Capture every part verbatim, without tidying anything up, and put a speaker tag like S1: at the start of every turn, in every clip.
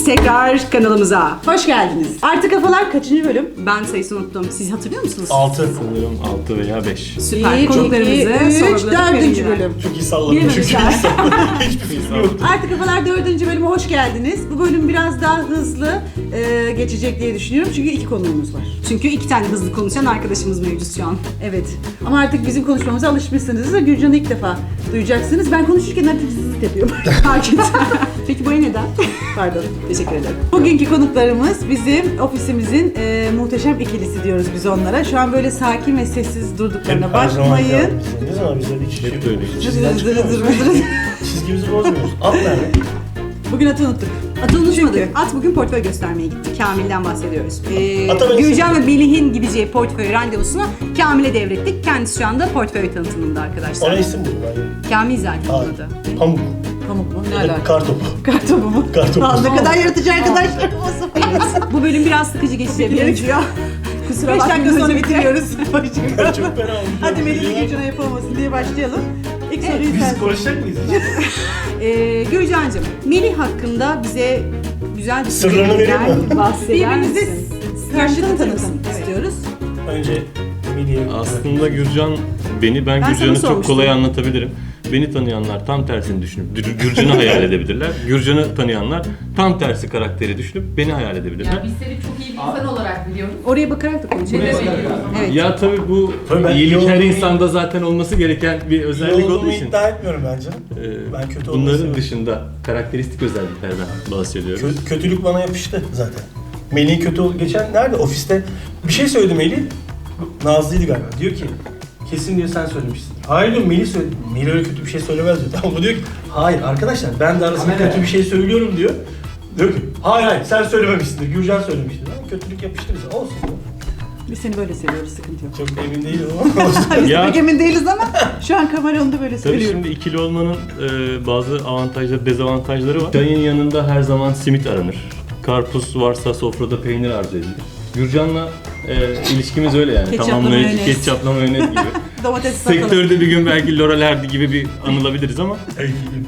S1: tekrar kanalımıza.
S2: Hoş geldiniz. Artı Kafalar kaçıncı bölüm?
S1: Ben sayısını unuttum. Siz hatırlıyor musunuz?
S3: altı.
S4: Sanırım altı veya beş.
S1: Süper.
S2: bir,
S1: Konuklarımızı
S2: iki, üç,
S1: sorguladık.
S2: dördüncü
S1: verildiler.
S2: bölüm.
S3: Çok iyi salladım.
S1: Bilememişler.
S3: Hiçbir fikrim yok.
S2: Artı Kafalar dördüncü bölüme hoş geldiniz. Bu bölüm biraz daha hızlı e, geçecek diye düşünüyorum çünkü iki konuğumuz var.
S1: Çünkü iki tane hızlı konuşan arkadaşımız mevcut şu an.
S2: Evet. Ama artık bizim konuşmamıza alışmışsınız da Gülcan'ı ilk defa duyacaksınız. Ben konuşurken artık zızıt yapıyorum.
S1: Fark ettim. Peki bu neden?
S2: Pardon.
S1: Teşekkür ederim.
S2: Bugünkü konuklarımız bizim ofisimizin e, muhteşem ikilisi diyoruz biz onlara. Şu an böyle sakin ve sessiz durduklarına bakmayın.
S3: Ne zaman bize hiç
S4: Hep böyle.
S3: Çizgiden
S2: Zır zır zır
S3: çıkıyoruz.
S2: zır.
S3: Çizgimizi bozmuyoruz. At nerede?
S2: Bugün atı unuttuk.
S1: Atı unutmadık.
S2: Çünkü-
S1: At bugün portföy göstermeye gitti. Kamil'den bahsediyoruz. Ee,
S3: Ata ben
S1: Gülcan ve Melih'in gideceği portföy randevusunu Kamil'e devrettik. Kendisi şu anda portföy tanıtımında arkadaşlar.
S3: Ona isim bulun. Yani.
S1: Kamil zaten
S3: Hayır.
S1: adı.
S3: Pamuk.
S2: Pamuk mu? Ne
S3: Ya da
S2: alaka?
S3: kartopu.
S2: Kartopu mu?
S3: Kartopu.
S2: Aa, ne kadar yaratıcı arkadaşlarım olsun.
S1: Evet. Bu bölüm biraz sıkıcı geçecek benziyor. Kusura
S2: Beş dakika
S1: bakmayın
S2: sonra
S1: öncelikle.
S2: bitiriyoruz.
S3: Ben çok fena oldum.
S2: Hadi Melih Gülcan'a yapamamasın diye başlayalım. İlk soruyu sen.
S3: Biz konuşacak mıyız?
S1: Ee, Gülcan'cığım, Melih hakkında bize güzel bir
S3: Sırlarını vereyim mi?
S1: bahseder
S2: Birbirimize
S1: misin?
S2: karşılıklı
S1: Tanıtım
S2: tanıtım
S1: Evet.
S2: istiyoruz.
S3: Önce Melih'e.
S4: Aslında Gürcan beni, ben,
S1: Ben
S4: Gürcan'ı
S1: sana
S4: çok
S1: sormuştum.
S4: kolay anlatabilirim. Beni tanıyanlar tam tersini düşünüp Gür- Gürcan'ı hayal edebilirler. Gürcan'ı tanıyanlar tam tersi karakteri düşünüp beni hayal edebilirler.
S5: Ya biz seni çok iyi bir insan olarak biliyoruz.
S2: Oraya bakarak da konuşalım.
S5: Ne demek?
S1: Evet.
S4: Ya tabii bu
S3: Tabii ben
S4: iyilik
S3: iyi
S4: her
S3: olduğumu-
S4: insanda zaten olması gereken bir
S3: İyi
S4: özellik olduğu
S3: olduğumu
S4: için.
S3: iddia etmiyorum bence.
S4: e,
S3: Ben kötü
S4: bunların
S3: olmasını-
S4: dışında karakteristik özelliklerden bahsediyoruz.
S3: Kö- kötülük bana yapıştı zaten. Melih kötü oldu. Geçen nerede? Ofiste bir şey söyledi Melih. Nazlı'ydı galiba. Diyor ki kesin diyor sen söylemişsin. Hayır diyor Melih söyledi. Melih öyle kötü bir şey söylemez diyor. Tamam bu diyor ki hayır arkadaşlar ben de arasında kötü bir şey söylüyorum diyor. Diyor ki hayır hayır sen söylememişsindir. Gürcan söylemiştir. Ama kötülük yapıştı bize. Olsun.
S2: Biz seni böyle seviyoruz, sıkıntı yok.
S3: Çok emin değilim ama olsun.
S2: Biz de
S4: Ya-
S2: pek emin değiliz ama şu an kamera onu da böyle
S4: Tabii
S2: söylüyorum.
S4: şimdi ikili olmanın e, bazı avantajları, dezavantajları var. Çayın yanında her zaman simit aranır. Karpuz varsa sofrada peynir arzu edilir. Gürcan'la e, ilişkimiz öyle yani.
S2: Ketçapla
S4: Tamamlayıcı
S2: mayonez.
S4: ketçapla mayonez gibi.
S2: Domates satalım.
S4: Sektörde bir gün belki Laurel Hardy gibi bir anılabiliriz ama e,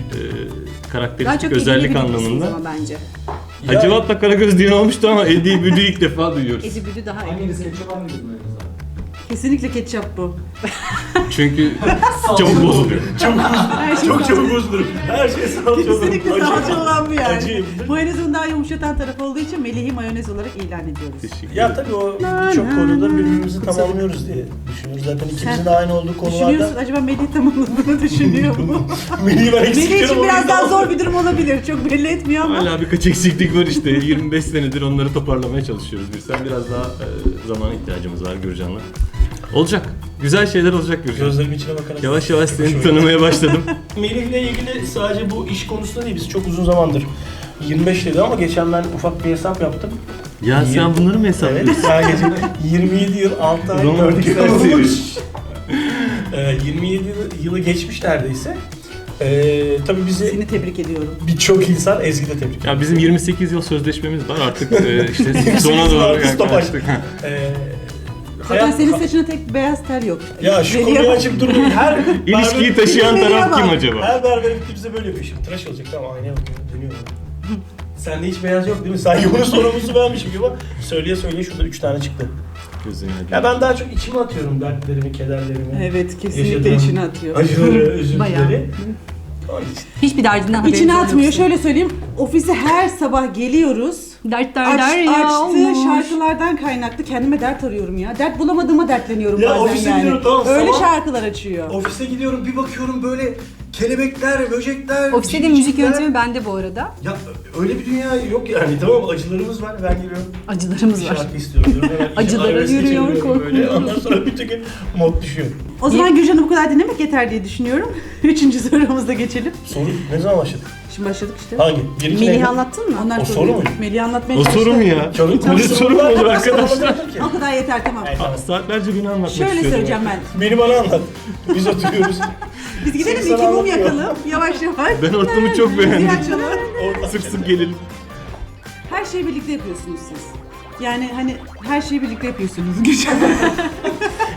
S1: Daha
S4: karakteristik
S1: çok
S4: özellik
S1: ilgili
S4: anlamında.
S1: ama bence.
S3: Ya-
S4: Hacivat'la Karagöz diyen olmuştu ama Eddie Büdü ilk defa duyuyoruz.
S1: Edi Büdü daha iyi.
S6: Hanginiz ketçap hanginiz mayonez?
S2: Kesinlikle ketçap bu.
S4: Çünkü çabuk bozuluyor.
S2: Her şey
S3: Çok çabuk bozulurum. Her şey salça olur.
S2: Kesinlikle
S3: Acı-
S2: salça olan bu yani.
S3: Acıyım.
S2: Mayonezin daha yumuşatan tarafı olduğu için Melih'i mayonez olarak ilan ediyoruz.
S4: Teşekkür
S3: Ya
S4: ederim.
S3: tabii o birçok konuda birbirimizi tamamlıyoruz diye düşünüyoruz. Zaten ikimizin de aynı olduğu
S2: Düşünüyorsun
S3: konularda.
S2: acaba Melih tamamladığını düşünüyor mu?
S3: Melih'i ben eksik
S2: Melih için
S3: diyorum,
S2: biraz
S3: o
S2: daha
S3: yüzden-
S2: zor bir durum olabilir. Çok belli etmiyor ama.
S4: Hala birkaç eksiklik var işte. yirmi beş senedir onları toparlamaya çalışıyoruz. Bir sen biraz daha e, zamana ihtiyacımız var Gürcan'la. Olacak. Güzel şeyler olacak Gürcan.
S3: Gözlerimin içine bakarak.
S4: Yavaş yavaş seni
S3: Hoşuma
S4: tanımaya başladım.
S3: Melih'le ilgili sadece bu iş konusunda değil, biz çok uzun zamandır yirmi beş dedi ama geçen ben ufak bir hesap yaptım.
S4: Ya sen bunları mı hesaplıyorsun?
S3: Evet, sadece yirmi yedi yıl, altı ay,
S4: Romantik
S3: dört yıl
S4: serseri.
S3: olmuş. Ee, yirmi yedi yılı, yılı geçmiş neredeyse. Ee, tabii bizi
S2: Seni tebrik ediyorum.
S3: birçok insan, Ezgi de tebrik ediyor.
S4: Ya bizim yirmi sekiz yıl sözleşmemiz var artık e, işte
S3: yirmi sekiz
S4: sona
S3: yıl
S4: doğru
S3: artık stopaj.
S4: yaklaştık.
S3: Ee,
S2: Zaten
S3: hayat-
S2: senin saçına tek beyaz tel yok.
S3: Ya şu
S2: Melih'e
S3: konuyu
S2: bak.
S3: açıp durmayın. Her
S4: İlişkiyi
S3: berber-
S4: taşıyan
S2: Melih'e
S4: taraf kim
S2: bak.
S4: acaba?
S3: Her berber gittiğimizde böyle yapıyor. Şimdi tıraş olacak tamam aynaya bakıyor, dönüyor. Sende hiç beyaz yok değil mi? Sanki bunun sorumlusu benmişim gibi ama söyleye söyleye şurada üç tane çıktı.
S4: Gözüne
S3: Ya ben daha çok içime atıyorum dertlerimi, kederlerimi.
S2: Evet kesinlikle
S3: yaşadığım
S2: içine atıyor.
S3: Acıları,
S1: Bayağı.
S3: üzüntüleri. Onun için.
S1: Hiçbir derdinden haberiniz
S2: İçine
S1: yok
S2: atmıyor.
S1: yoksa.
S2: Şöyle söyleyeyim. Ofise her sabah geliyoruz.
S1: Dert
S2: Aç,
S1: derler ya
S2: açtığı
S1: olmuş.
S2: şarkılardan kaynaklı kendime dert arıyorum ya. Dert bulamadığıma dertleniyorum
S3: Ya
S2: bazen
S3: ofise
S2: yani.
S3: gidiyorum, tamam,
S2: Öyle
S3: sabah-
S2: şarkılar açıyor.
S3: Ofise gidiyorum bir bakıyorum böyle kelebekler, böcekler.
S1: Ofiste de
S3: civcivler.
S1: müzik yönetimi bende bu arada.
S3: Ya öyle bir dünya yok yani tamam acılarımız var ben giriyorum.
S1: Acılarımız
S3: Bir
S1: var.
S3: şarkı istiyorum diyorum. Hemen
S1: Acılara
S3: iyice
S1: yürüyor,
S3: arabesk'e çeviriyorum böyle.
S1: korkuyorum.
S3: Ondan sonra bütün gün mod düşüyor.
S2: O zaman Gülcan'ı bu kadar dinlemek yeter diye düşünüyorum. Üçüncü sorumuza geçelim.
S3: Soru ne zaman başladık?
S2: Şimdi başladık işte.
S3: Hangi? Bir iki
S1: Melih'i
S3: neydi?
S1: anlattın mı?
S2: Ondan
S3: O
S2: sonra
S3: soru muydu?
S2: Melih'i anlatmaya
S4: O soru mu ya?
S3: Soru-
S4: Öyle soru mu olur arkadaşlar?
S2: O kadar yeter tamam.
S3: Evet, tamam.
S4: Saatlerce beni anlatmak
S2: Şöyle
S4: istiyorum.
S2: söyleyeceğim ben.
S3: Beni bana anlat. Biz oturuyoruz.
S2: Biz gidelim
S3: Seni
S2: iki
S3: sana
S2: mum
S3: anlatıyor.
S2: yakalım. Yavaş yavaş.
S4: Ben ortamı çok
S2: Müziği
S4: beğendim.
S2: açalım.
S3: Oradan
S4: Sık sık gelelim.
S2: Her şeyi birlikte yapıyorsunuz siz. Yani hani her şeyi birlikte yapıyorsunuz Gülcan.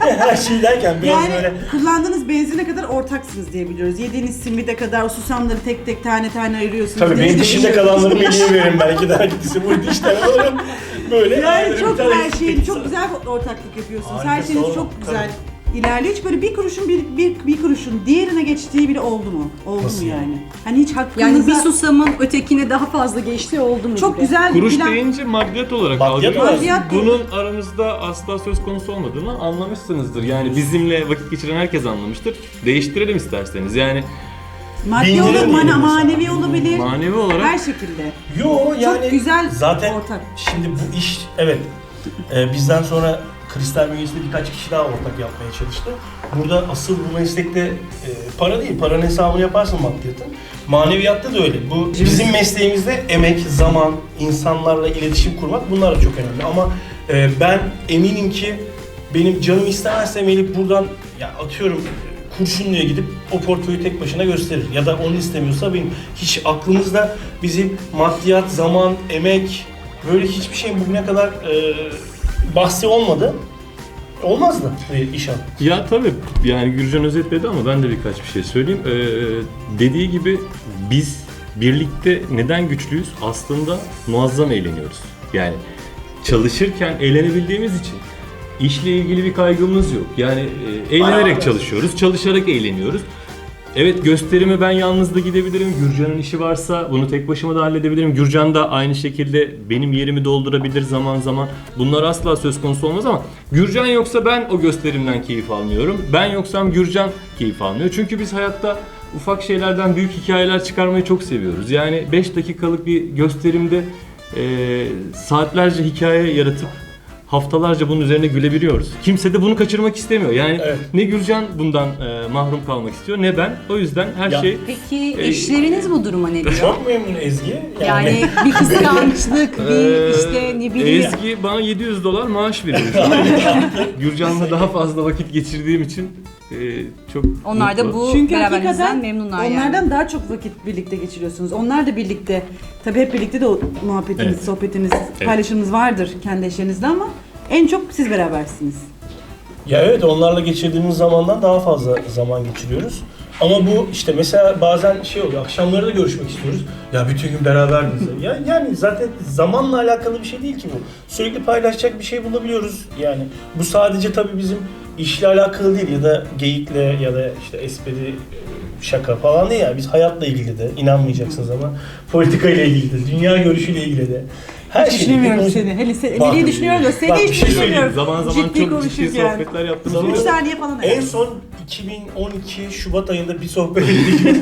S3: Her şey derken biraz
S2: Yani
S3: böyle...
S2: kullandığınız benzine kadar ortaksınız diye biliyoruz. Yediğiniz simide kadar o susamları tek tek tane tane ayırıyorsunuz.
S3: Tabii benim
S2: Neyse,
S3: dişimde kalanları Melih'e veririm belki daha gitisi bu dişten alırım. Böyle
S2: Yani
S3: bir
S2: çok
S3: tane
S2: her
S3: eksik
S2: şeyin çok
S3: sana.
S2: güzel bir ortaklık yapıyorsunuz.
S3: Harika,
S2: her şeyiniz
S3: sağ olun.
S2: çok güzel ilerliyor. Hiç böyle bir kuruşun bir, bir, bir kuruşun diğerine geçtiği bile oldu mu? Oldu
S3: Nasıl
S2: mu
S3: yani?
S2: yani? Hani hiç hakkınızda...
S1: Yani bir susamın ötekine daha fazla geçtiği oldu mu?
S2: çok
S1: gibi?
S2: güzel bir
S4: Kuruş
S2: plan.
S4: deyince maddiyat olarak
S3: Maddiyat
S4: algılıyoruz.
S2: olarak.
S4: Bunun aramızda asla söz konusu olmadığını anlamışsınızdır. Yani bizimle vakit geçiren herkes anlamıştır. Değiştirelim isterseniz. Yani
S2: Maddi
S3: Bin lira
S2: olur,
S3: diyelim
S2: mana,
S3: mesela.
S2: manevi olabilir.
S4: manevi olarak
S2: Her şekilde.
S3: Yo yani
S2: güzel
S3: zaten
S2: ortak.
S3: şimdi bu iş evet e, bizden sonra kristal bünyesinde birkaç kişi daha ortak yapmaya çalıştı. Burada asıl bu meslekte e, para değil, paranın hesabını yaparsın maddiyatın. Maneviyatta da öyle. Bu bizim mesleğimizde emek, zaman, insanlarla iletişim kurmak bunlar da çok önemli. Ama e, ben eminim ki benim canım istemezse Melih buradan ya atıyorum Kurşunlu'ya gidip o portföyü tek başına gösterir. Ya da onu istemiyorsa benim hiç aklımızda bizim maddiyat, zaman, emek böyle hiçbir şeyin bugüne kadar e, bahsi olmadı. Olmazdı bu iş an.
S4: ya tabii yani Gürcan özetledi ama ben de birkaç bir şey söyleyeyim. Ee, dediği gibi biz birlikte neden güçlüyüz? Aslında muazzam eğleniyoruz. Yani çalışırken eğlenebildiğimiz için işle ilgili bir kaygımız yok. Yani e, eğlenerek çalışıyoruz, çalışarak eğleniyoruz. Evet gösterime ben yalnız da gidebilirim. Gürcan'ın işi varsa bunu tek başıma da halledebilirim. Gürcan da aynı şekilde benim yerimi doldurabilir zaman zaman. Bunlar asla söz konusu olmaz ama Gürcan yoksa ben o gösterimden keyif almıyorum. Ben yoksam Gürcan keyif almıyor. Çünkü biz hayatta ufak şeylerden büyük hikayeler çıkarmayı çok seviyoruz. Yani beş dakikalık bir gösterimde e, saatlerce hikaye yaratıp haftalarca bunun üzerine gülebiliyoruz. Kimse de bunu kaçırmak istemiyor. Yani
S3: Evet.
S4: ne Gürcan bundan e, mahrum kalmak istiyor ne ben. O yüzden her
S3: Ya.
S4: şey
S1: Peki
S4: Ee,
S1: eşleriniz bu duruma ne diyor?
S3: Çok memnun Ezgi.
S1: Yani bir kıskançlık, bir işte ne bileyim.
S4: Ezgi bana yedi yüz dolar maaş veriyor şu an. Gürcan'la daha fazla vakit geçirdiğim için e, çok
S1: Onlar da
S4: mutlu.
S1: bu
S2: Çünkü
S1: beraberinizden
S2: hakikaten
S1: memnunlar
S2: onlardan
S1: yani.
S2: daha çok vakit birlikte geçiriyorsunuz. Onlar da birlikte, tabii hep birlikte de o muhabbetiniz,
S4: Evet.
S2: sohbetiniz, paylaşımınız vardır kendi eşlerinizle ama en çok siz berabersiniz.
S3: Ya evet onlarla geçirdiğimiz zamandan daha fazla zaman geçiriyoruz. Ama bu işte mesela bazen şey oluyor, akşamları da görüşmek istiyoruz. Ya bütün gün beraber miyiz? ya, yani zaten zamanla alakalı bir şey değil ki bu. Sürekli paylaşacak bir şey bulabiliyoruz. Yani bu sadece tabii bizim işle alakalı değil ya da geyikle ya da işte espri, şaka falan değil ya. Biz hayatla ilgili de, inanmayacaksınız ama politikayla ilgili de, dünya görüşüyle ilgili de. Her şeyle
S2: Düşünemiyorum
S3: ilgili
S2: seni. Hele se-
S3: Bak-
S2: Melih'i düşünüyorum da seni
S3: Bak,
S2: hiç
S3: bir şey
S2: düşünemiyorum.
S4: Zaman zaman
S2: Ciddi
S4: çok ciddi
S2: konuşurken.
S4: sohbetler yaptığımız
S3: Zaman-
S2: üç
S4: oluyor.
S2: saniye falan.
S3: En son iki bin on iki Şubat ayında bir sohbet ettik.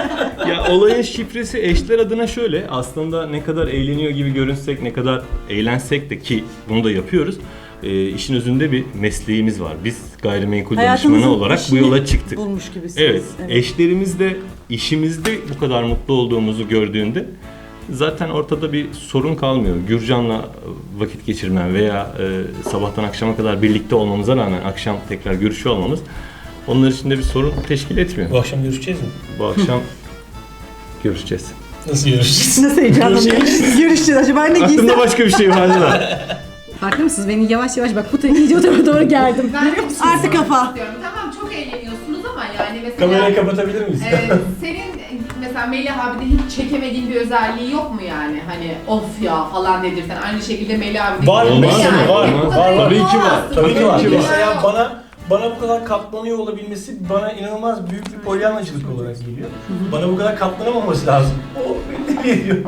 S4: Ya olayın şifresi eşler adına şöyle. Aslında ne kadar eğleniyor gibi görünsek, ne kadar eğlensek de ki bunu da yapıyoruz. E, işin özünde bir mesleğimiz var. Biz gayrimenkul danışmanı olarak bu
S2: işini
S4: yola çıktık.
S2: bulmuş gibisiniz.
S4: Evet, eşlerimiz de işimizde bu kadar mutlu olduğumuzu gördüğünde zaten ortada bir sorun kalmıyor. Gürcan'la vakit geçirmem veya e, sabahtan akşama kadar birlikte olmamıza rağmen akşam tekrar görüşüyor olmamız onlar için de bir sorun teşkil etmiyor.
S3: Bu akşam görüşeceğiz mi?
S4: Bu akşam görüşeceğiz.
S3: Nasıl görüşeceğiz?
S2: Nasıl heyecanlanıyorsunuz? Görüşeceğiz. Acaba ne giysem?
S4: Aklımda başka bir şey vardı da.
S1: Farkında mısınız? Beni yavaş yavaş bak bu tarafa iyice o tarafa doğru geldim.
S5: Ben de bir şey
S2: Artı
S5: sormak
S2: kafa.
S5: istiyorum. Tamam çok eğleniyorsunuz ama yani mesela...
S3: Kamerayı kapatabilir miyiz?
S5: e, senin mesela Melih abide hiç çekemediğin bir özelliği yok mu yani? Hani of ya falan dedirsen aynı şekilde Melih abi de
S3: Var,
S5: yok.
S4: olmaz
S5: Yani
S4: mı? Var,
S5: bu
S3: var,
S5: kadar
S3: var.
S4: Tabii ki var.
S5: olamazsın.
S3: Tabii ki var.
S4: Tabii ki var.
S3: Mesela bana bana bu kadar katlanıyor olabilmesi bana inanılmaz büyük bir polyanlacılık olarak geliyor. Bana bu kadar katlanamaması lazım. O beni ne diyor?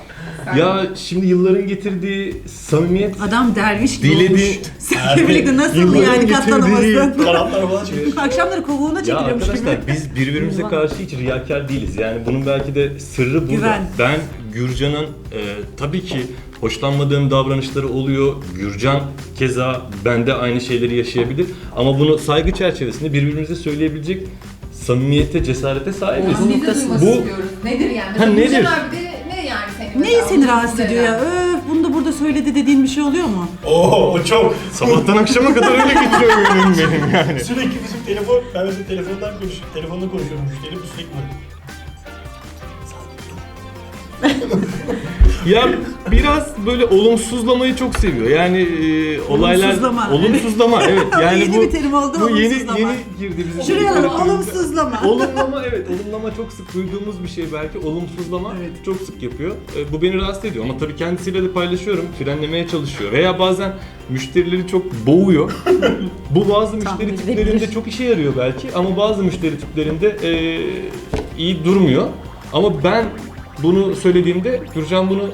S4: Ya şimdi yılların getirdiği samimiyet
S2: Adam derviş gibi
S4: Dilediği-
S2: olmuş. Seninle birlikte nasıl
S4: Yılların
S2: yani
S4: getirdiği-
S2: katlanamasın?
S3: Kanatlar falan çıkıyor.
S2: Akşamları kovuğuna
S4: Ya
S2: çekiliyormuş gibi.
S4: arkadaşlar biz birbirimize karşı hiç riyakar değiliz. Yani bunun belki de sırrı burada.
S2: Güven.
S4: Ben Gürcan'ın e, tabii ki hoşlanmadığım davranışları oluyor. Gürcan keza bende aynı şeyleri yaşayabilir. Ama bunu saygı çerçevesinde birbirimize söyleyebilecek samimiyete, cesarete sahibiz.
S5: Biz de duymak
S4: Bu-
S5: istiyoruz. Nedir yani?
S4: Ha, nedir?
S5: Gülcan abi de ne yani senin?
S2: Neyi
S5: mesela
S2: seni
S5: onun
S2: rahatsız
S5: üstünde
S2: ediyor ya?
S5: yani?
S2: Öf bunu da burada söyledi dediğin bir şey oluyor mu?
S3: Oo o çok.
S4: Sabahtan akşama kadar öyle geçiyor günüm benim yani.
S3: Sürekli bizim telefon, ben mesela telefondan konuşuyorum, telefonda konuşuyorum müşteri bu sürekli böyle.
S4: Ya biraz böyle olumsuzlamayı çok seviyor. Yani e, olaylar
S2: Olumsuzlama.
S4: olumsuzlama evet. Yani
S2: Yeni
S4: bu
S2: bir terim oldu,
S4: bu yeni
S2: olumsuzlama.
S4: yeni girdi bizim.
S2: Şuraya alalım,
S4: literatürümüze.
S2: olumsuzlama.
S4: Olumlama evet, olumlama çok sık duyduğumuz bir şey belki. Olumsuzlama
S2: Evet.
S4: çok sık yapıyor. E, bu beni rahatsız ediyor ama tabii kendisiyle de paylaşıyorum. Frenlemeye çalışıyor. Veya bazen müşterileri çok boğuyor. Bu bazı müşteri
S1: edilebilir.
S4: tiplerinde çok işe yarıyor belki ama bazı müşteri tiplerinde e, iyi durmuyor. Ama ben bunu söylediğimde Gürcan bunu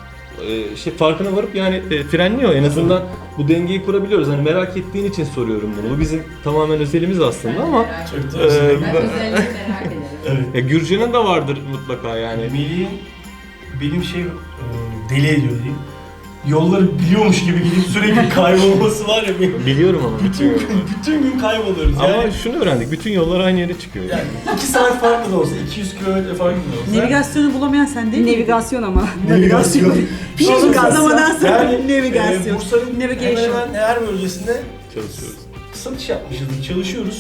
S4: e, şey farkına varıp yani e, frenliyor. En azından bu dengeyi kurabiliyoruz. Hani merak ettiğin için soruyorum bunu. Bu bizim tamamen özelimiz aslında ama
S3: Çok da
S4: e,
S3: özel.
S5: Ben özellikle merak ederim.
S3: Evet.
S4: e, Gürcan'ın da vardır mutlaka yani.
S3: Melih'in benim şey e, deli ediyor diyeyim. Yolları biliyormuş gibi gidip sürekli kaybolması var ya benim.
S4: Biliyorum ama bütün
S3: Bütün gün, bütün gün kayboluyoruz. Yani,
S4: Ama şunu öğrendik. Bütün yollar aynı yere çıkıyor. Yani.
S3: yani iki saat farklı da olsa, iki yüz kilometre farklı da olsa.
S2: Navigasyonu bulamayan sen değil mi?
S1: Navigasyon ama.
S3: Navigasyon.
S2: Hiç kazamadan sonra
S3: Yani
S2: navigasyon.
S3: e, Bursa'nın hemen
S2: Navigation.
S3: hemen her bölgesinde
S4: Çalışıyoruz.
S3: satış yapmışız, çalışıyoruz.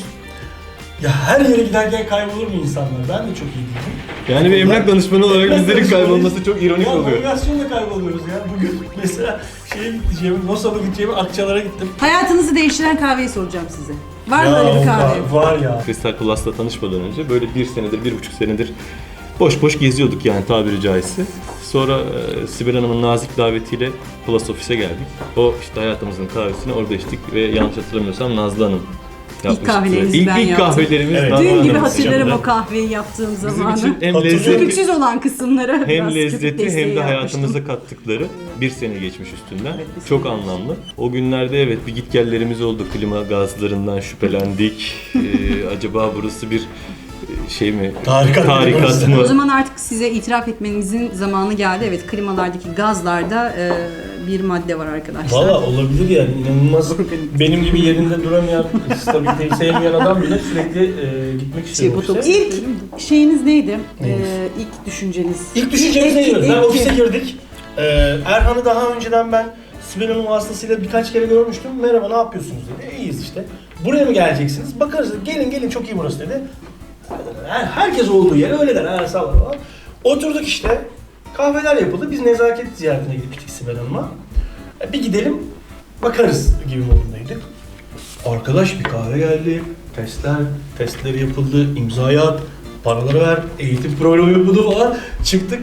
S3: Ya her yere giderken kaybolur mu insanlar? Ben de çok iyi değilim.
S4: Yani bir emlak danışmanı olarak
S3: Emlak
S4: bizlerin
S3: danışmanı-
S4: kaybolması çok ironik
S3: ya,
S4: oluyor.
S3: navigasyonla kayboluyoruz ya. Bugün mesela şeye gideceğim, Nosa'da gideceğim, Akçalar'a gittim.
S2: Hayatınızı değiştiren kahveyi soracağım size. Var mı
S3: Ya,
S2: öyle bir kahve?
S3: Var, var ya.
S4: Crystal Plus'la tanışmadan önce böyle bir senedir, bir buçuk senedir boş boş geziyorduk yani tabiri caizse. Sonra e, Sibel Hanım'ın nazik davetiyle Plus ofise geldik. O işte hayatımızın kahvesini orada içtik ve yanlış hatırlamıyorsam Nazlı Hanım yapmıştı.
S1: kahvelerimizi
S4: İlk,
S1: ben
S4: ilk
S1: yaptım.
S4: kahvelerimiz
S3: Evet.
S4: Nazlı
S1: Dün gibi
S4: Hanım'ın
S1: hatırlarım
S4: sıcağında.
S1: o kahveyi yaptığım
S4: Bizim
S1: zamanı.
S4: için hem
S3: Hatırlıyorum.
S4: lezzetli,
S1: Köpüksüz olan kısımları
S4: hem
S1: biraz köpük
S4: lezzetli
S1: desteği
S4: hem de
S1: yapmıştım.
S4: hayatımıza kattıkları bir sene geçmiş üstünden.
S2: Evet, bir
S4: Çok
S2: sene
S4: anlamlı. O günlerde evet bir gitgellerimiz oldu. Klima gazlarından şüphelendik. Ee, acaba burası bir e, şey mi?
S3: Tarikat
S4: Tarikat
S3: mı?
S4: mı?
S1: O zaman artık size itiraf etmenizin zamanı geldi. Evet, klimalardaki gazlarda e, bir madde var arkadaşlar.
S3: Valla olabilir yani inanılmaz. Benim gibi yerinde duramayan, stabiliteyi sevmeyen adam bile sürekli e, gitmek istiyor
S1: Şey,
S3: ofise.
S1: botoks-
S2: İlk şeyiniz neydi?
S3: Neyiniz?
S2: Ee, ilk düşünceniz.
S3: İlk düşüncemiz
S2: İlk-
S3: neydi? Ben
S2: ilk-
S3: ofise girdik. Ee, Erhan'ı daha önceden ben Sibel Hanım vasıtasıyla birkaç kere görmüştüm. Merhaba, ne yapıyorsunuz dedi. İyiyiz işte. Buraya mı geleceksiniz? Bakarız dedi. Gelin gelin, çok iyi burası dedi. Her, herkes olduğu yere öyle der. Ha, sağ olun falan. Oturduk işte. Kahveler yapıldı. Biz nezaket ziyaretine gitmiştik Sibel Hanım'a. E, Bir gidelim bakarız gibi modundaydık. Arkadaş bir kahve geldi. Testler, testleri yapıldı. İmzayı at, paraları ver, eğitim programı yapıldı falan. Çıktık.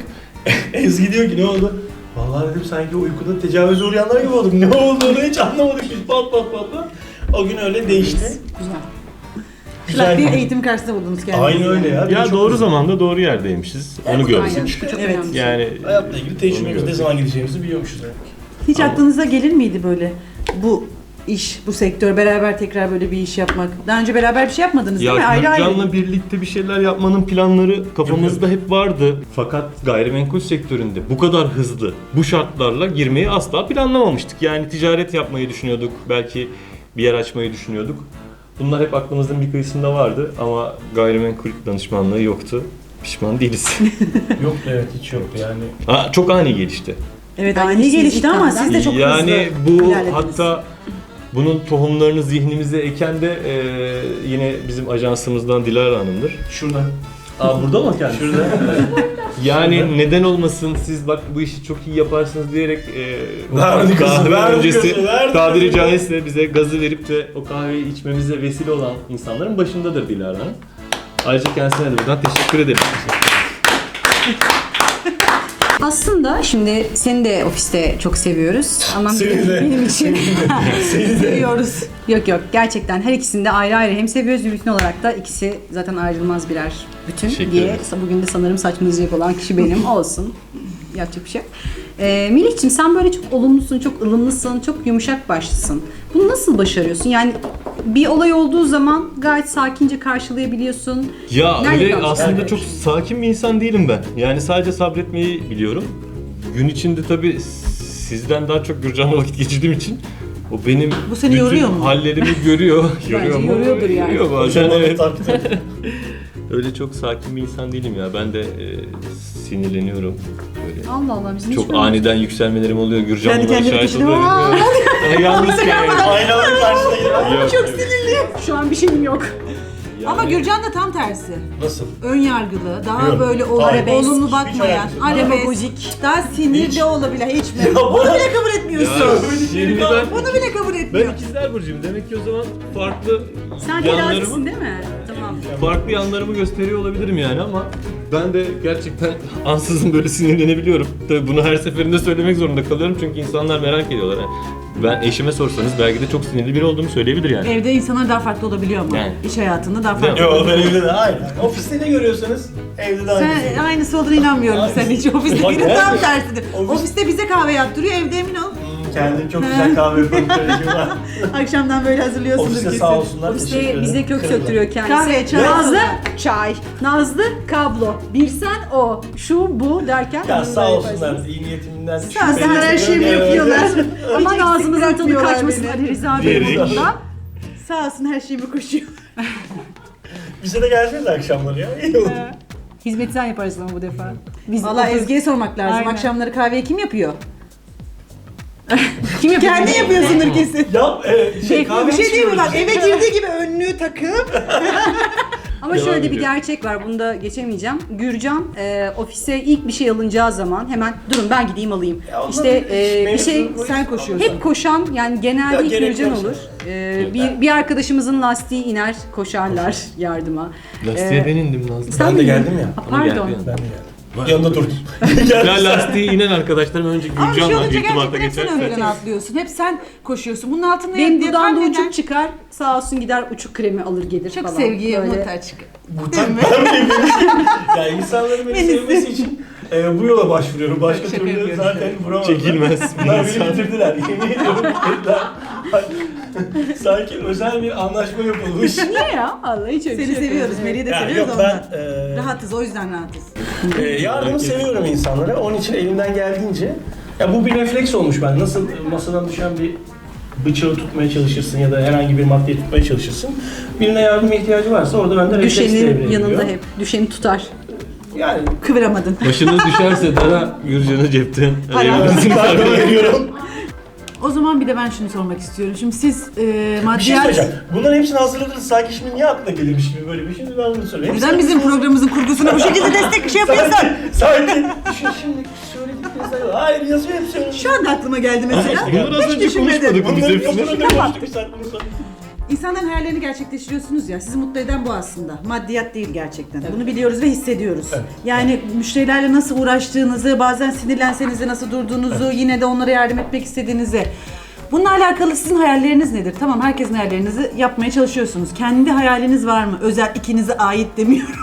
S3: Ezgi diyor ki ne oldu? Vallahi dedim sanki uykuda tecavüze uğrayanlar gibi olduk. Ne olduğunu hiç anlamadık biz. Pat pat pat pat. O gün öyle değişti.
S1: Güzel.
S3: Güzel.
S2: Bir eğitim karşısında buldunuz kendinizi.
S3: Aynen öyle ya. Bir de
S4: Ya
S3: çok
S4: doğru
S3: güzel.
S4: zamanda doğru yerdeymişiz. Onu gördük.
S1: Aynen. Çok
S2: Evet.
S1: önemli.
S4: Yani
S3: Hayatla ilgili
S4: onu
S3: tecrübemiz, ne
S4: gördük.
S3: zaman gideceğimizi biliyormuşuz yani.
S2: Hiç
S4: Ama-
S2: aklınıza gelir miydi böyle bu iş, bu sektör, beraber tekrar böyle bir iş yapmak? Daha önce beraber bir şey yapmadınız değil mi?
S4: Ya
S2: Ayrı ayrı.
S4: Gürcan'la birlikte bir şeyler yapmanın planları kafamızda hep vardı. Fakat gayrimenkul sektöründe bu kadar hızlı, bu şartlarla girmeyi asla planlamamıştık. Yani ticaret yapmayı düşünüyorduk, belki bir yer açmayı düşünüyorduk. Bunlar hep aklımızın bir kıyısında vardı ama gayrimenkul danışmanlığı yoktu. Pişman değiliz.
S3: Yok evet, hiç yoktu yani.
S4: Aa, çok ani gelişti.
S2: Evet,
S1: Yani
S2: ani
S1: siz
S2: gelişti
S1: ilk
S2: ama
S1: taneden-
S2: siz de çok
S4: yani
S2: hızlı
S4: bu
S2: ilerlediniz.
S4: hatta bunun tohumlarını zihnimize eken de e, yine bizim ajansımızdan Dilara Hanım'dır.
S3: Şurada.
S4: Aa burada mı kendisi?
S3: Şurada.
S4: Yani neden olmasın, siz bak bu işi çok iyi yaparsınız diyerek e, o
S3: Verdi kızı,
S4: kahve
S3: verdi
S4: öncesi
S3: kızı, verdi
S4: tabiri
S3: kızı.
S4: caizse bize gazı verip de o kahveyi içmemize vesile olan insanların başındadır Dilara Hanım. Ayrıca kendisine de buradan teşekkür ederim.
S1: Aslında şimdi seni de ofiste çok seviyoruz. Ama
S3: Seni
S1: benim,
S3: de.
S1: benim için
S3: Seni de.
S1: seviyoruz. Yok yok, gerçekten her ikisini de ayrı ayrı hem seviyoruz, bir bütün olarak da ikisi zaten ayrılmaz birer bütün
S4: Teşekkür
S1: diye.
S4: ederiz.
S1: Bugün de sanırım saçmalayacak olan kişi benim. Olsun. Yapacak bir şey yok. Ee, Melih'ciğim, sen böyle çok olumlusun, çok ılımlısın, çok yumuşak başlısın. Bunu nasıl başarıyorsun? Yani bir olay olduğu zaman gayet sakince karşılayabiliyorsun.
S4: Ya
S1: Nerede
S4: öyle
S1: kalmış?
S4: aslında
S1: Nerede?
S4: çok sakin bir insan değilim ben. Yani sadece sabretmeyi biliyorum. Gün içinde tabii sizden daha çok Gürcan'la vakit geçirdiğim için o benim
S2: Bu seni
S4: bütün
S2: yoruyor mu?
S4: hallerimi görüyor. Yoruyor mu?
S1: yoruyordur yani.
S4: Yoruyor bazen,
S3: Hocam
S4: evet.
S3: taktı.
S4: Öyle çok sakin bir insan değilim ya. Ben de e, sinirleniyorum. Böyle.
S1: Allah Allah, bizim
S4: Çok
S1: hiç
S4: aniden yükselmelerim oluyor. Gürcan
S2: Kendi
S4: buna
S2: kendine
S4: şahit
S2: düşünüyor.
S4: oluyor.
S2: Aa!
S4: Evet. Yalnız yani.
S3: Aynaların karşısında geliyor.
S4: Yok,
S1: Çok sinirliyim. Şu an bir şeyim yok.
S2: Ama Gürcan da tam tersi.
S3: Nasıl?
S2: Ön yargılı, daha
S3: Yok.
S2: böyle ol-
S3: Arabesk.
S2: olumlu
S3: Hiç
S2: bakmayan,
S3: alakası yok.
S2: arabesk, daha sinirli
S3: Hiç.
S2: olabilir, hiç mi?
S3: Ya
S2: Onu
S3: bana-
S2: bile kabul etmiyorsun.
S4: Ya, şimdi ben,
S2: Onu bile kabul etmiyor.
S4: ben ikizler burcuyum. Demek ki o zaman farklı
S1: Sen
S4: yanlarımı
S1: terazisin değil mi? Tamam.
S4: farklı yanlarımı gösteriyor olabilirim yani ama ben de gerçekten ansızın böyle sinirlenebiliyorum. Tabii bunu her seferinde söylemek zorunda kalıyorum çünkü insanlar merak ediyorlar. Yani ben eşime sorsanız belki de çok sinirli biri olduğumu söyleyebilir yani.
S2: Evde insanlar daha farklı olabiliyor ama
S4: Yani.
S2: iş hayatında daha farklı.
S3: Yok ben evde de aynı. Ofiste ne görüyorsanız evde de aynı.
S2: Sen aynısı olduğuna inanmıyorum
S3: Aynısı.
S2: sen hiç. Ofiste
S3: Bak,
S2: bir de tam
S3: gerçekten.
S2: tersidir.
S3: Ofis-
S2: Ofiste bize kahve yaptırıyor, evde emin ol.
S3: Hmm, Kendim çok güzel kahve yaparım. Kolejim var.
S2: Akşamdan böyle hazırlıyorsundur
S3: Ofiste
S2: kesin.
S3: sağ olsunlar. teşekkür
S1: Ofiste
S3: ederim.
S1: bize kök
S3: Kırıldı.
S1: söktürüyor kendisi.
S2: Kahve, çay.
S1: Nazlı çay, Nazlı kablo, bir sen o, şu bu derken.
S3: Ya
S1: bunu
S3: sağ
S1: da
S3: olsunlar
S1: yaparsınız.
S3: iyi niyetimden.
S2: Sağ olsunlar, her şeyimi
S3: Evet.
S2: yapıyorlar.
S1: Ama
S2: Hiç
S1: ağzımızın
S2: eksik
S1: tadı
S2: bırakmıyorlar
S1: kaçmasın
S2: beni.
S1: Ali Rıza Bey
S4: Diyerek.
S1: burada.
S2: Sağ olsun her şeyimi koşuyor.
S3: Bize de gelseniz akşamları ya. İyi olur.
S1: Hizmeti sen yaparsın ama bu defa. Biz
S2: Valla Ezgi'ye sormak lazım.
S1: Aynen.
S2: Akşamları kahveyi kim yapıyor?
S1: kim yapıyor?
S2: Kendi yapıyorsundur kesin.
S3: Ya e, şey,
S1: Şey,
S3: kahve
S2: Bir şey değil mi bak
S3: içmiyoruz.
S2: eve girdiği gibi önlüğü takıp
S1: Ama
S4: Devam
S1: şöyle bir
S4: ediyor.
S1: gerçek var, bunu da geçemeyeceğim. Gürcan e, ofise ilk bir şey alınacağı zaman hemen durun ben gideyim alayım.
S3: Ya onlar
S1: işte
S3: bir
S1: e, bir
S3: mevzu
S1: şey
S3: bu.
S2: sen koşuyorsun.
S1: hep koşan yani
S3: Ya
S1: genelde ilk
S3: gerek
S1: Gürcan
S3: yok
S1: olur.
S3: sana.
S1: E, bir, bir arkadaşımızın lastiği iner, koşarlar yardıma.
S4: Lastiğe
S1: Ee,
S4: ben indim Nazlı.
S1: Sen
S3: Ben de
S1: mi?
S3: geldim ya.
S1: Ha,
S4: Ama geldi
S1: pardon.
S4: yani.
S3: Ben de geldim. Yanında durdum.
S4: Ya lastiği inen arkadaşlarım önce
S2: Ama bir şey
S4: Gürcan'la
S2: olunca
S4: irtibata
S2: gerçekten hep sen ön
S4: geçerse.
S2: plana atlıyorsun. Hep sen koşuyorsun. Bunun altında
S1: Benim
S2: yatan
S1: buradan da
S2: neden?
S1: uçuk çıkar, sağ olsun gider uçuk kremi alır gelir
S2: Çok
S1: falan.
S2: sevgiye
S1: Böyle.
S2: muhtaç.
S3: Bu tak ben miyim? Ya insanların beni sevmesi için e, bu yola başvuruyorum. Başka
S2: Şaka
S3: türlü
S2: yapıyorum.
S3: zaten vuramazlar.
S4: Çekilmez bir
S3: Bunlar beni
S4: insan.
S3: bitirdiler. Yemin ediyorum bitirdiler. Sanki özel bir anlaşma yapılmış.
S1: Niye ya? Allah hiç öyle bir
S2: Seni
S1: şey yok.
S2: seviyoruz. Meri'yi de
S3: Ya
S2: seviyoruz
S3: yok
S2: ondan.
S3: ben e,
S2: Rahatız o yüzden rahatız.
S3: e, yardımı seviyorum insanlara. Onun için elimden geldiğince ya bu bir refleks olmuş ben. Nasıl masadan düşen bir bıçağı tutmaya çalışırsın ya da herhangi bir maddeyi tutmaya çalışırsın. Birine yardıma ihtiyacı varsa orada bende refleks devreye
S1: Düşenin
S3: giriyor.
S1: yanında hep. Düşeni tutar.
S3: Yani
S2: Kıvıramadın.
S4: Başınız düşerse daha Gürcan'ı cepten
S2: Para.
S4: arayabilirsiniz.
S3: yardım veriyorum.
S2: O zaman bir de ben şunu sormak istiyorum. Şimdi siz e,
S3: Bir şey
S2: maddiyat...
S3: söyleyeceğim. Bunların hepsini hazırladınız. Sanki şimdi niye aklına gelirmiş gibi böyle bir şey. Şimdi ben bunu söyleyeyim.
S2: Neden bizim programımızın kurgusuna bu şekilde destek şey yapıyorsun?
S3: Sanki, sanki düşün şimdi söyledikleriniz hayır yazıyor hep söylüyor.
S2: Şu anda aklıma geldi mesela.
S4: Bunları az
S2: Hiç
S4: önce
S2: düşünmedim.
S4: konuşmadık mı biz
S3: Bunları
S4: hepsini?
S3: kapının önünde konuştuk bir saat bunu sonra.
S2: İnsanların hayallerini gerçekleştiriyorsunuz ya. Sizi mutlu eden bu aslında. Maddiyat değil gerçekten. Bunu biliyoruz ve hissediyoruz.
S3: Evet.
S2: Yani müşterilerle nasıl uğraştığınızı, bazen sinirlenseniz de nasıl durduğunuzu, yine de onlara yardım etmek istediğinizi. Bununla alakalı sizin hayalleriniz nedir? Tamam, herkesin hayallerinizi yapmaya çalışıyorsunuz. Kendi hayaliniz var mı? Özel ikinize ait demiyorum.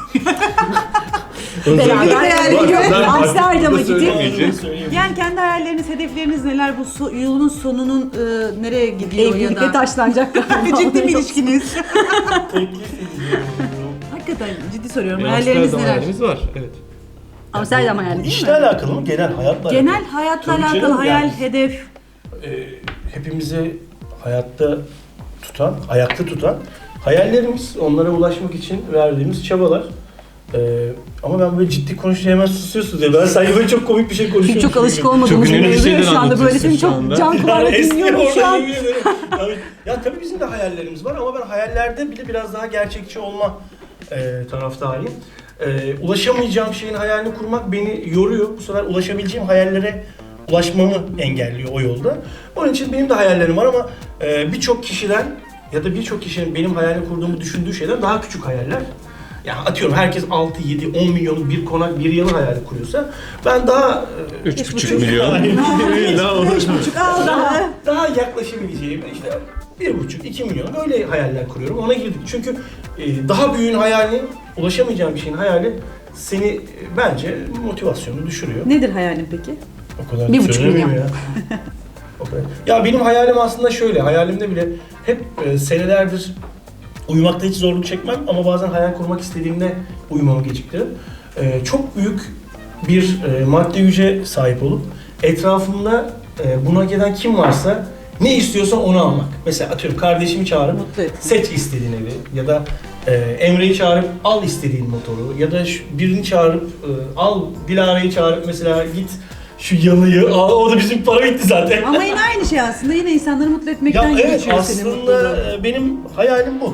S1: Beraber
S2: yani.
S1: yani.
S4: Ben
S1: Amsterdam'a
S4: farklı
S1: gidip.
S4: söylemeyeceğim.
S3: Söyleyeyim.
S2: Yani kendi hayalleriniz, hedefleriniz neler? Bu so- yolun sonunun e, nereye gidiyor ya
S1: Evlilikle
S2: da?
S1: taşlanacak galiba.
S2: Ciddi bir ilişkiniz.
S3: Teklif ediyorum.
S2: Hakikaten ciddi soruyorum.
S4: Bir
S2: Hayalleriniz
S4: Amsterdam
S2: neler?
S4: hayalimiz var. Evet.
S1: Amsterdam hayali
S3: Bu
S1: değil
S3: işle
S1: mi?
S3: alakalı mı? Genel hayatla
S2: Genel
S3: alakalı.
S2: hayatla
S3: Tabii
S2: alakalı
S3: canım,
S2: hayal,
S3: yani.
S2: hedef.
S3: Ee, hepimizi hayatta tutan, ayakta tutan hayallerimiz, onlara ulaşmak için verdiğimiz çabalar. Ee, ama ben böyle ciddi konuşunca hemen susuyorsunuz ya. Ben sanki böyle çok komik bir şey konuşuyorum.
S1: Çünkü çok alışık olmadığımız
S4: Çok
S1: bir
S4: önemli
S1: mevzu ya
S4: şeyler
S1: şu anda böyle seni
S4: anlatıyorsun şu
S1: çok
S4: anda.
S1: can kulağıyla
S3: eski
S1: dinliyorum şu
S3: orada
S1: an.
S3: yemin ederim. Tabii- ya tabii bizim de hayallerimiz var ama ben hayallerde bile biraz daha gerçekçi olma e, taraftarıyım. E, ulaşamayacağım şeyin hayalini kurmak beni yoruyor. Bu sefer ulaşabileceğim hayallere ulaşmamı engelliyor o yolda. Onun için benim de hayallerim var ama e, birçok kişiden ya da birçok kişinin benim hayalini kurduğumu düşündüğü şeyden daha küçük hayaller. Yani atıyorum herkes altı, yedi, on milyonun bir konak, bir yanı hayali kuruyorsa ben daha e,
S4: Üç buçuk milyon. Daha olur.
S3: daha, daha yaklaşabileceğim işte bir buçuk, iki milyon öyle hayaller kuruyorum. Ona girdik. Çünkü e, daha büyüğün hayali, ulaşamayacağın bir şeyin hayali seni e, bence motivasyonunu düşürüyor.
S2: Nedir hayalin peki?
S3: O kadar
S1: Bir buçuk
S3: söylemiyorum
S1: milyon.
S3: ya. O kadar. Ya benim hayalim aslında şöyle, hayalimde bile hep e, senelerdir uyumakta hiç zorluk çekmem ama bazen hayal kurmak istediğimde uyumamı geciktiririm. E, çok büyük bir e, maddi güce sahip olup etrafımda e, buna gelen kim varsa ne istiyorsa onu almak. Mesela atıyorum kardeşimi çağırıp
S2: Mutlu et.
S3: seç istediğin evi ya da e, Emre'yi çağırıp al istediğin motoru ya da şu, birini çağırıp e, al Dilara'yı çağırıp mesela git şu yalıyı al, o da bizim para bitti zaten.
S2: Ama yine aynı şey aslında. Yine insanları mutlu
S3: Ya
S2: etmekten
S3: evet
S2: geçiyor senin
S3: aslında
S2: mutluluğun.
S3: e, benim hayalim bu.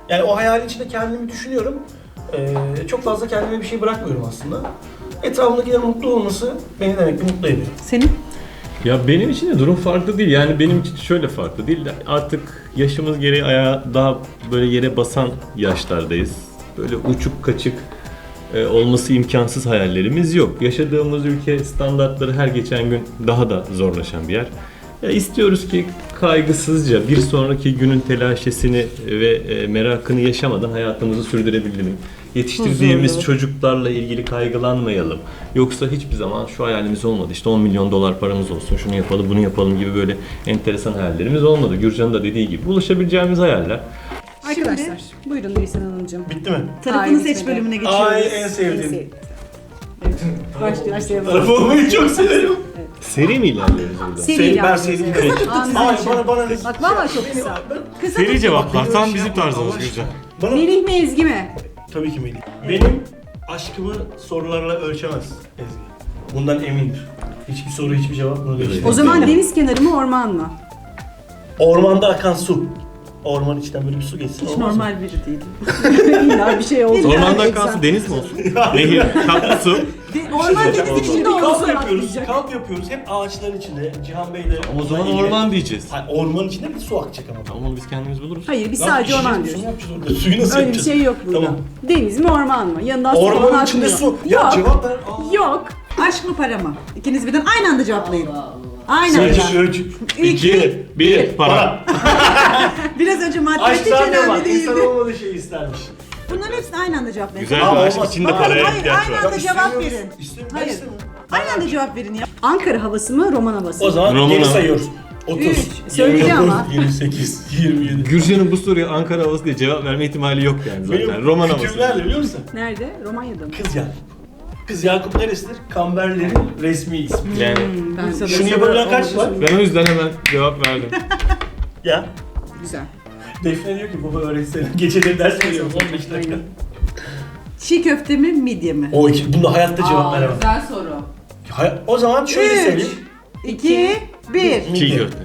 S3: Yani o hayalin içinde kendimi düşünüyorum. Ee, çok fazla kendime bir şey bırakmıyorum aslında. Etrafımdakilerin mutlu olması beni demek ki mutlu ediyor.
S2: Senin?
S4: Ya benim için de durum farklı değil. Yani benim için şöyle farklı değil. Artık yaşımız gereği ayağa daha böyle yere basan yaşlardayız. Böyle uçuk kaçık e, olması imkansız hayallerimiz yok. Yaşadığımız ülke standartları her geçen gün daha da zorlaşan bir yer. Ya istiyoruz ki kaygısızca bir sonraki günün telaşesini ve e, merakını yaşamadan hayatımızı sürdürebilelim. Yetiştirdiğimiz
S2: Huzurlu.
S4: çocuklarla ilgili kaygılanmayalım. Yoksa hiçbir zaman şu hayalimiz olmadı. İşte on milyon dolar paramız olsun, şunu yapalım, bunu yapalım gibi böyle enteresan hayallerimiz olmadı. Gürcan'ın da dediği gibi ulaşabileceğimiz hayaller.
S1: Arkadaşlar buyurun Nisan Hanımcığım.
S3: Bitti mi?
S2: Tarafını
S1: Ay,
S2: seç
S1: bitmedi.
S2: bölümüne geçiyoruz.
S3: Ay en
S1: En
S3: sevdiğim.
S1: sevdiğim. Başlayalım. Başlayalım.
S3: Araba olmayı çok severim.
S4: Seri mi ilerliyoruz burada?
S1: Seri
S3: Seri, ben
S1: ilerliyoruz,
S3: seri.
S1: evet. Anladım.
S3: Ay bana bana ne?
S1: Bak valla çok kısa.
S2: Kısa
S4: Seri
S2: tut.
S4: cevaplar tam
S3: Şey
S4: bizim
S3: yapma,
S4: tarzımız
S3: Allah
S4: Gürcan.
S3: Bana
S1: Melih mi Ezgi mi?
S3: tabii ki Melih. Benim aşkımı sorularla ölçemez Ezgi. Bundan emindir. Hiçbir soru, hiçbir cevap bunu değiştirmez.
S1: O zaman deniz kenarı mı orman mı?
S3: Ormanda akan su. Orman içinden böyle bir su geçsin.
S2: Hiç
S3: olmaz mı?
S2: normal biri değil.
S1: İlla bir şey oldu.
S4: Ormandan kalsın deniz mi olsun? Nehir, tatlı su.
S2: De- Orman denizin içinde
S3: Kamp
S2: olsun.
S3: yapıyoruz,
S1: atlayacak.
S3: kamp yapıyoruz. Hep ağaçların içinde. Cihan Bey'le.
S4: O zaman orman diyeceğiz.
S3: Hayır, orman içinde bir su akacak ama.
S4: Tamam onu biz kendimiz buluruz.
S1: Hayır biz
S3: Lan
S1: sadece
S3: pişirip
S1: orman
S3: su
S1: diyoruz.
S3: mu yapacağız orada? Suyu nasıl
S1: Öyle bir
S3: yapacağız?
S1: şey yok burada.
S3: Tamam.
S1: Deniz mi orman mı? Yanından su falan
S3: Ormanın içinde
S1: akmıyor.
S3: su. Ya
S1: Yok.
S3: cevap ver. Aa.
S1: Yok.
S2: Aşk mı para mı? İkiniz birden aynı anda cevaplayın. Aynı
S3: Üç,
S2: anda.
S3: üç.
S4: İki, bir, para.
S2: Biraz önce madde
S3: Aşk
S2: hiç
S3: zaten
S2: önemli
S3: var. İnsan
S2: değildi.
S3: olmadığı şeyi istermiş.
S2: Bunların hepsini aynı anda cevaplayın.
S4: Güzel
S3: Aa,
S4: bir aşk
S3: olmaz.
S4: içinde
S3: Hayır,
S4: paraya
S2: hayır,
S4: ihtiyaç
S2: aynen.
S4: var.
S2: Hadi cevap
S3: istemiyoruz.
S2: verin.
S3: İstemiyorum.
S2: Hayır.
S3: Ben istemiyorum.
S2: Aynı anda cevap verin ya.
S1: Ankara havası mı roman havası mı?
S3: O zaman
S4: Roman
S3: geri
S4: ama.
S3: sayıyoruz. otuz,
S2: Üç.
S1: Söyledi
S3: yirmi dokuz,
S1: ama.
S3: yirmi sekiz, yirmi yedi.
S4: Gürcan'ın bu soruya Ankara havası diye cevap verme ihtimali yok yani zaten.
S3: Benim
S4: Roman havası.
S3: kütüplerle biliyor musun?
S1: Nerede? Romanya'da mı?
S3: Kız Yakup. Kız Yakup neresidir? Kamberlerin resmi ismi.
S4: Yani
S1: Ben
S2: Bursa'da
S3: Şunu yapabilen kaç var?
S4: ben o yüzden hemen cevap verdim.
S3: Ya.
S1: Güzel.
S3: Defne diyor ki baba öğretsene. Geceleri ders veriyorum on beş dakika.
S1: Aynen.
S2: Çiğ köfte mi midye mi?
S3: O iki, bunda hayatta cevap
S5: Aa,
S3: veremem.
S5: güzel soru.
S3: Hay- O zaman şöyle
S2: Üç,
S3: söyleyeyim.
S2: iki, bir.
S4: Çiğ
S3: Midye.
S4: köfte.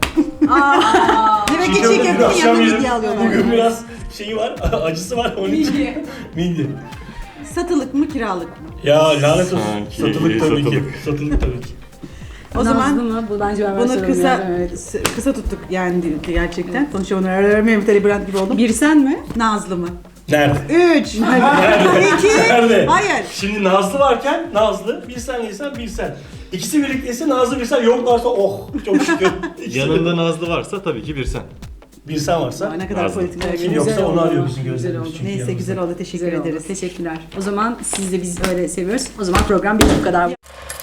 S2: Demek ki
S3: Çiğ
S2: çiğ
S3: köfte dün
S2: köftenin
S3: akşam
S2: yanına
S3: yedim.
S2: midye alıyorlar.
S3: Bugün biraz şeyi var, acısı var onun için.
S5: Midye.
S3: Midye.
S2: Satılık mı kiralık mı?
S3: Ya lanet olsun.
S4: Sanki
S3: Satılık tabii ki.
S4: satılık.
S3: Satılık tabii ki.
S2: O
S1: Nazlı
S2: zaman
S1: mı? Bu bence ben
S2: bunu
S1: soruyorum
S2: kısa
S1: ya, evet.
S2: s- kısa tuttuk yani gerçekten. Konuşamadım. Mehmet Brand gibi oldum.
S1: Bir sen mi?
S2: Nazlı mı?
S3: Nerede?
S2: Üç. İki.
S3: Nerede?
S2: Hayır.
S3: Şimdi Nazlı varken Nazlı, bir sen yesen bir sen. İkisi birlikteyse Nazlı bir sen, yoklarsa oh çok şükür. İkisi
S4: Yanında Nazlı varsa tabii ki bir sen.
S3: bir sen varsa.
S2: Aa, ne kadar
S4: Nazlı.
S2: politikler
S3: Kim
S2: geliyor.
S3: yoksa
S1: Güzel
S3: onu
S1: oldu.
S3: arıyor bizim
S1: Güzel
S3: gözlerimiz.
S1: oldu.
S3: çünkü
S2: Neyse
S3: yanımızda.
S2: güzel oldu. Teşekkür
S1: Güzel oldu.
S2: ederiz.
S1: Teşekkürler. O zaman siz de biz öyle seviyoruz. O zaman program bitti bu kadar.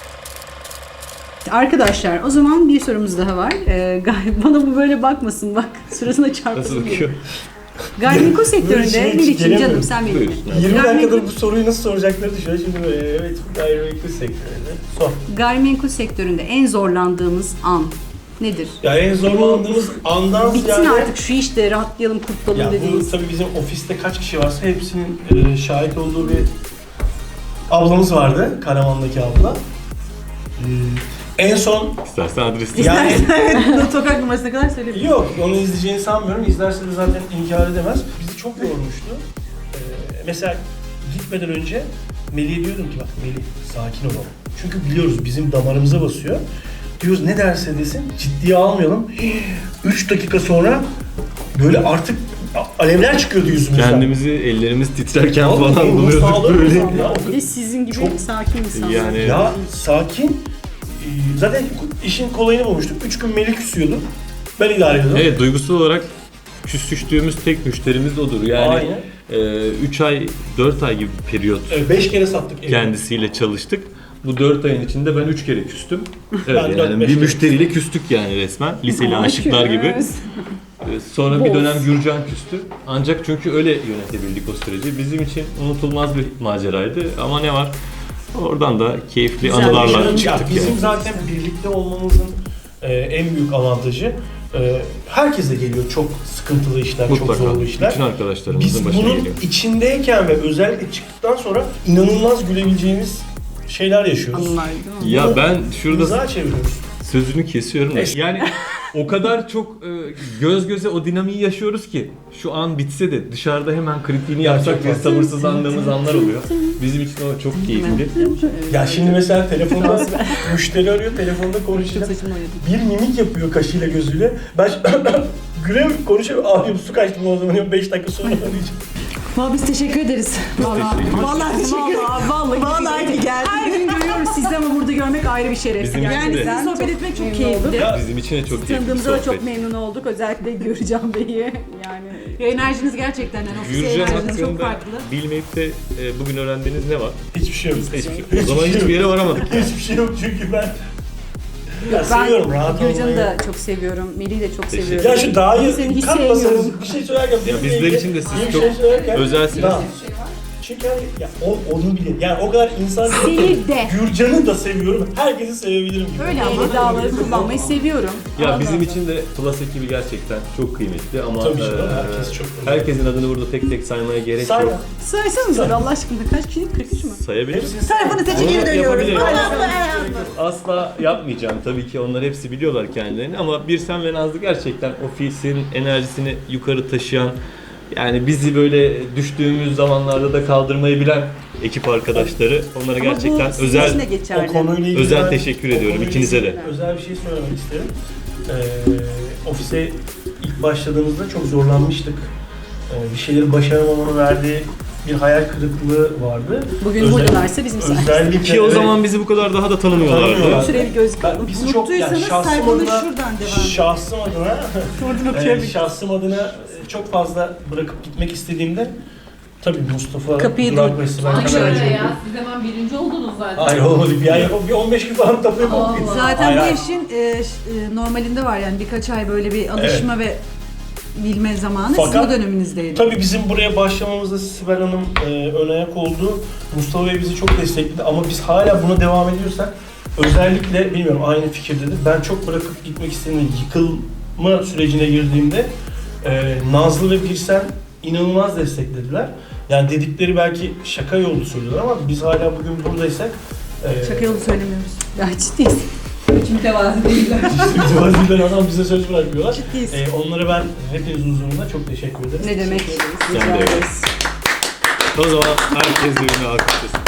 S1: Arkadaşlar o zaman bir sorumuz daha var. Ee, gay- bana bu böyle bakmasın bak. Suratına
S4: Nasıl
S1: çarpasın
S4: bakıyor?
S1: geliyor. Gayrimenkul
S3: Böyle
S1: sektöründe
S3: şey
S1: Melih'ciğim
S3: gelemiyorum.
S1: canım sen benim.
S4: Buyur.
S3: yirmi
S1: Gayrimenkul-
S3: dakikadır bu soruyu nasıl soracakları düşünüyor. Şimdi böyle evet gayrimenkul sektöründe. Sor.
S1: Gayrimenkul sektöründe en zorlandığımız an nedir?
S3: Ya en zorlandığımız andan
S1: Bitsin
S3: ziyade...
S1: artık şu işte rahatlayalım kurtulalım
S3: Ya bu
S1: dediğimiz.
S3: tabii bizim ofiste kaç kişi varsa hepsinin e, şahit olduğu bir ablamız vardı. Karaman'daki abla. E, en son
S4: İstersen adresi.
S3: yani
S2: Evet, sokak numarasına kadar söyleyebilirim.
S3: yok onu izleyeceğini sanmıyorum. İzlerse de zaten inkar edemez. Bizi çok yormuştu. E, mesela gitmeden önce Melih'e diyordum ki bak Melih sakin olalım. Çünkü biliyoruz bizim damarımıza basıyor. Diyoruz ne derse desin ciddiye almayalım. üç dakika sonra böyle artık alevler çıkıyordu yüzümüzden.
S4: Kendimizi ellerimiz titrerken
S3: Vallahi
S4: falan
S3: ruh
S4: buluyorduk
S3: sağlığı
S4: böyle.
S3: bozuldu ya.
S1: Bir de sizin gibi
S3: Çok-
S1: sakin insanlar.
S4: Yani
S3: Ya sakin. Ee, Zaten işin kolayını bulmuştuk. Üç gün Melih küsüyordu. Ben idare ediyordum.
S4: evet duygusal olarak küsüştüğümüz tek müşterimiz odur. Yani
S3: Aynen.
S4: üç ay, dört ay gibi bir periyot
S3: Evet, beş kere sattık evi.
S4: kendisiyle çalıştık. Bu dört ayın içinde ben üç kere küstüm. Evet,
S3: Ben dört,
S4: yani
S3: beş
S4: bir
S3: kere
S4: müşteriyle küstük yani resmen. Liseli aşıklar gibi. Ee, Sonra bir
S1: Boz.
S4: dönem Gürcan küstü. Ancak çünkü öyle yönetebildik o süreci. Bizim için unutulmaz bir maceraydı. Ama ne var? Oradan da keyifli
S1: Güzel.
S4: anılarla
S3: Ya
S4: çıktık
S3: bizim
S4: yani.
S3: zaten birlikte olmamızın e, en büyük avantajı e, herkese geliyor çok sıkıntılı işler, çok
S4: Mutlaka.
S3: zorlu işler.
S4: Bütün arkadaşlarımızın
S3: Biz
S4: başına
S3: bunun
S4: geliyor.
S3: içindeyken ve özellikle çıktıktan sonra inanılmaz gülebileceğimiz şeyler yaşıyoruz.
S1: Anılar değil mi?
S4: Ya ben şurada
S3: Mizah çeviriyoruz.
S4: sözünü kesiyorum da.
S3: Es-
S4: Yani o kadar çok e, göz göze o dinamiği yaşıyoruz ki şu an bitse de dışarıda hemen kritiğini yapsak diye sabırsızlandığımız anlar oluyor. Bizim için o çok keyifli.
S3: Ya şimdi mesela telefonda müşteri arıyor, telefonda konuşuyor.
S1: Saçımı oynadım.
S3: Bir mimik yapıyor kaşıyla gözüyle. Ben güle konuşuyor. Abi su kaçtı o zaman beş dakika sonra arayacağım.
S2: Vallahi biz teşekkür ederiz.
S1: Vallahi, vallahi teşekkür ederim. Vallahi,
S2: Vallahi iyi geldi.
S1: Her gün görüyoruz sizi ama burada görmek ayrı bir şeref.
S4: Bizim için
S2: Yani
S4: de.
S2: sizinle sohbet etmek çok
S1: memnun
S2: keyifli.
S1: oldum.
S3: Ya,
S4: Bizim için de çok keyifli bir
S1: Tanıdığımıza da çok
S4: sohbet.
S1: memnun olduk. Özellikle Gürcan Bey'i. Yani
S2: Enerjiniz gerçekten yani ofise
S4: Gürcan
S2: enerjiniz çok
S4: hakkında
S2: farklı.
S4: bilmeyip de e, bugün öğrendiğiniz ne var?
S3: hiçbir şey yok.
S4: Hiçbir şey. O zaman hiçbir yere varamadık.
S3: Hiçbir şey yok çünkü ben ya
S1: ben
S3: seviyorum rahat
S1: Gürcan'ı
S3: olmayı.
S1: da çok seviyorum. Melih'i de çok
S4: Teşekkür
S1: seviyorum.
S3: Ya şu daha
S1: Seni
S3: iyi
S1: hiç
S3: katmasanız
S1: sevmiyorum.
S3: bir şey söylerken
S4: Ya
S3: benimle
S4: bizler
S3: ilgili
S4: için de siz
S3: iyi bir
S4: çok
S3: şey söylerken-
S4: özelsiniz.
S3: Ya, çünkü hani ya o, onu bilir. Yani o kadar insan
S1: Seni de.
S3: Gürcan'ı da seviyorum. Herkesi sevebilirim gibi.
S1: Öyle ama dağları kullanmayı seviyorum.
S4: Ya bizim için de Plus ekibi gerçekten çok kıymetli ama
S3: Tabii canım,
S4: e,
S3: herkes çok önemli.
S4: herkesin adını burada tek tek saymaya gerek
S3: Say
S4: yok.
S3: ya.
S1: Saysanıza Allah aşkına kaç kişi? kırk üç mü?
S4: Sayabilirim.
S3: Hepsini
S2: Tarafını seçe
S4: Onu
S2: geri dönüyoruz.
S4: yapabilirim.
S2: Allah
S4: Asla yapmayacağım tabii ki, onlar hepsi biliyorlar kendilerini ama Birsen ve Nazlı gerçekten ofisin enerjisini yukarı taşıyan, yani bizi böyle düştüğümüz zamanlarda da kaldırmayı bilen ekip arkadaşları. Onlara
S1: Ama
S4: gerçekten
S1: bu sizin
S4: özel
S1: için de geçerli.
S3: O konuyla ilgili
S4: Özel
S3: ben-
S4: teşekkür
S3: o
S4: ediyorum
S3: konuyla
S4: ikinize de.
S3: ilgili Özel bir şey söylemek isterim. Ee, ofise ilk başladığımızda çok zorlanmıştık. Ee, bir şeyleri başaramamanın verdiği bir hayal kırıklığı vardı.
S1: Bugün
S3: Özel-
S1: buradaylarsa bizim sayemizde.
S3: Özellikle
S4: Ki o
S3: evet,
S4: zaman bizi bu kadar daha da tanımıyorlardı.
S3: Tanımıyorlar.
S1: Şuraya bir göz
S3: ben, biz çok yani
S2: Unuttuysanız
S3: şahsım
S2: sayfanın
S3: adına,
S2: şuradan devam edin.
S3: şahsım adına,
S1: Oradan
S3: e,
S1: okuyabilirim.
S3: şahsım adına e, çok fazla bırakıp gitmek istediğimde tabii Mustafa,
S1: Kapıyı
S3: Durak
S1: dur-
S3: ve Sibel
S5: Aynen
S3: Kameracı
S5: öyle
S3: oldu.
S5: ya. Siz hemen birinci oldunuz zaten.
S3: Hayır olmadı. Bir ay yapıp bir on beş gün falan tapıyıp
S5: Allah.
S2: Zaten
S3: Hayır,
S2: bu
S3: hayır.
S2: işin e, ş- e, normalinde var yani birkaç ay böyle bir alışma ve bilme zamanı sizin
S3: Fakat-
S2: bu döneminizdeydi.
S3: Tabii bizim buraya başlamamızda Sibel Hanım e, ön ayak oldu. Mustafa Bey bizi çok destekledi ama biz hala buna devam ediyorsak özellikle bilmiyorum aynı fikirdedir. Ben çok bırakıp gitmek istediğimde yıkılma sürecine girdiğimde e, Nazlı ve Birsen inanılmaz desteklediler. Yani dedikleri belki şaka yolu söylüyorlar ama biz hala bugün buradaysak e,
S2: Şaka yolu söylemiyoruz.
S1: Ya ciddiyiz.
S5: Hiç mütevazi değiller.
S3: mütevaziden adam bize söz bırakmıyorlar.
S1: Ciddiyiz.
S3: E, onlara ben hepiniz huzurunda çok teşekkür ederim.
S1: Ne demek?
S4: Sen
S1: Rica
S4: de öyle.
S1: ederiz.
S4: O zaman herkes birbirine alkışlasın.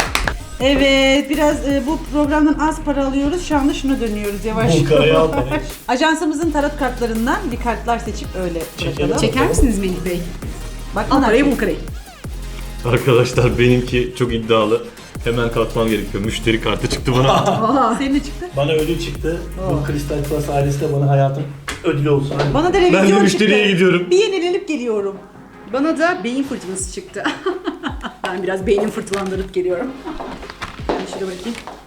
S2: Evet, biraz e, bu programdan az para alıyoruz. Şu anda şuna dönüyoruz yavaş.
S3: Bu karaya atmayın.
S2: Ajansımızın tarot kartlarından bir kartlar seçip öyle
S3: Çekelim.
S2: bırakalım.
S1: Çeker misiniz Melih Bey?
S2: Bak
S1: Al
S2: bunlar
S1: parayı
S2: çek.
S1: bul parayı.
S4: Arkadaşlar benimki çok iddialı. Hemen kalkmam gerekiyor. Müşteri kartı çıktı bana.
S1: Aa.
S2: Senin ne çıktı?
S3: Bana ödül çıktı. Bu Kristal Plus ailesi de bana hayatım ödülü olsun. Hadi.
S2: Bana da
S4: Ben
S2: revizyon
S4: de
S2: çıktı.
S4: müşteriye gidiyorum.
S2: Bir yenilenip geliyorum.
S1: Bana da beyin fırtınası çıktı. Ben biraz beynim fırtılandırıp geliyorum. Ben şöyle bakayım.